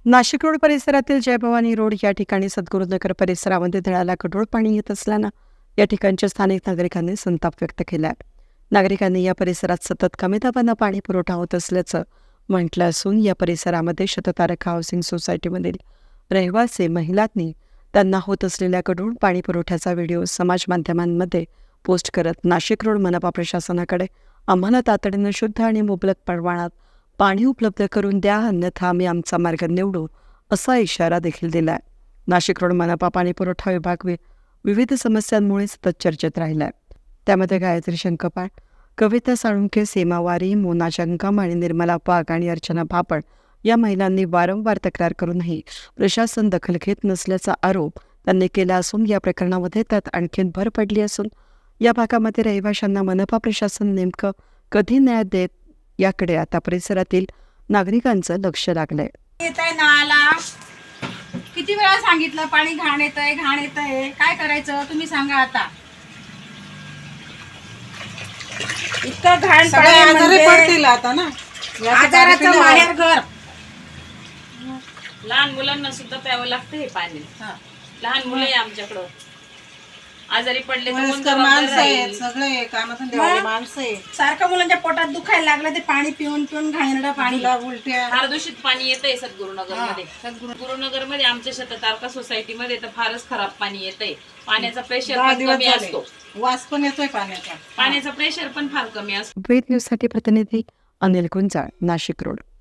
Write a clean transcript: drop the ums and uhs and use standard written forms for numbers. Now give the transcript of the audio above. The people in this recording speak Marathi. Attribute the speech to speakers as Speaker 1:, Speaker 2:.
Speaker 1: नाशिक रोड परिसरातील जयभवानी रोड या ठिकाणी सद्गुरुनगर परिसरामध्ये धरणाला गढूळ पाणी येत असल्यानं या ठिकाणच्या स्थानिक नागरिकांनी संताप व्यक्त केला आहे. नागरिकांनी या परिसरात सतत कमी दाबानं पाणी पुरवठा होत असल्याचं म्हटलं असून या परिसरामध्ये शततारक हाऊसिंग सोसायटीमधील रहिवासी महिलांनी त्यांना होत असलेल्या गढूळ पाणी पुरवठ्याचा व्हिडिओ समाज माध्यमांमध्ये पोस्ट करत नाशिक रोड मनपा प्रशासनाकडे आम्हाला तातडीनं शुद्ध आणि मुबलक प्रमाणात पाणी उपलब्ध करून द्या, अन्यथा आम्ही आमचा मार्ग निवडू असा इशारा देखील दिलाय. नाशिक रोड मनपा पाणी पुरवठा विभाग विविध समस्यांमुळे सतत चर्चेत राहिलाय. त्यामध्ये गायत्री शंकपाळ, कविता साळुंखे, सीमा वारी, मोना जंगम आणि निर्मला वाघ आणि अर्चना भापड या महिलांनी वारंवार तक्रार करूनही प्रशासन दखल घेत नसल्याचा आरोप त्यांनी केला असून या प्रकरणामध्ये त्यात आणखीन भर पडली असून या भागामध्ये रहिवाशांना मनपा प्रशासन नेमकं कधी न्याय देत याकडे आता परिसरातील नागरिकांचं लक्ष लागलंय.
Speaker 2: येतंय नळाला किती वेळा सांगितलं पाणी घाण येतंय काय करायचं तुम्ही सांगा. आता इतकं घाण
Speaker 3: सगळे
Speaker 2: पाणी
Speaker 3: आजारी
Speaker 2: म्हणजे
Speaker 3: पडतील आता ना.
Speaker 2: आजाराचं माहेर घर.
Speaker 4: लहान मुलांना सुद्धा प्यावं लागतं हे पाणी. लहान मुलं आहे आमच्याकडं, आजारी पडले तर कोण
Speaker 3: वयस्कर
Speaker 4: जबाबदार
Speaker 3: माणसं आहेत,
Speaker 4: राहील?
Speaker 3: सगळे कामाधंदेवाले माणसं आहे.
Speaker 2: सारखं मुलांच्या पोटात दुखायला लागलं ते पाणी पिऊन घाणेरडं पाणी.
Speaker 3: तिला उलट्या
Speaker 4: फार दूषित पाणी येतंय सद्गुरुनगर मध्ये. सद्गुरुनगर मध्ये आमच्या शततारका सोसायटी मध्ये तर फारच खराब पाणी येतंय. पाण्याचा प्रेशर
Speaker 3: 10
Speaker 4: पण
Speaker 3: दिवस
Speaker 4: कमी
Speaker 3: झाले.
Speaker 4: असतो.
Speaker 3: वास पण येतोय पाण्याचा.
Speaker 4: पाण्याचा प्रेशर पण फार कमी असतो.
Speaker 1: वेद न्यूजसाठी प्रतिनिधी अनिल गुंजाळ, नाशिक रोड.